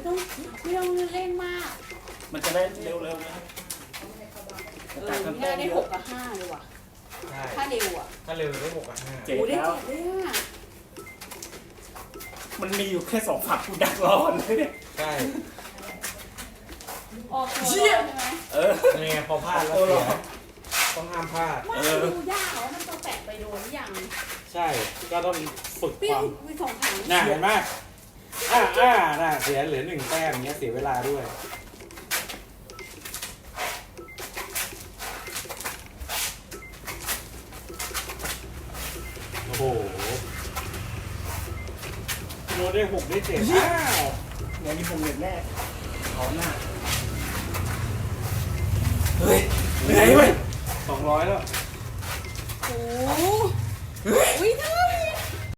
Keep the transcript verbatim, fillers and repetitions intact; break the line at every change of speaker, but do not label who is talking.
ต้องไม่ต้องเล่นมาก
มันจะได้เร็วๆนะ
เออนี่ได้หกกับห้าเลยว่ะ
ใช่
ถ้าเร็วอ่ะ
ถ้าเร็วได้หกกับห้า
เจ็ด
โอ้ได้
แล้ว
เจ็ดเลยอ่ะ
มันมีอยู่แค่สองฝักกูดักรอเลยเนี่ย
ใช่
ออกตัวใช่ไหม
เออ
นี่ไงพอพลาดแล้วเสียต้องห้ามพลาด
ว่าดูยากเหรอมันจะแตะไปโดนหรือยัง
ใช่ก็ต้องฝึก
เปรี้
ค
ยว
วาม
มีสองถัง
น่าเห็นไหมอ่าอ่าน่าเสียเหลือหนึ่งแต้มอย่างเงี้ยเสียเวลาด้วยโอ้โหโนได้หกได้เจ็ดอ้าว
งานนี้ผมเด็ดแน่เอาหน้าเฮ้ยเหนื่อยเว้ย
สองร้อยแล้ว
โอ้โหอุ้ยเธอ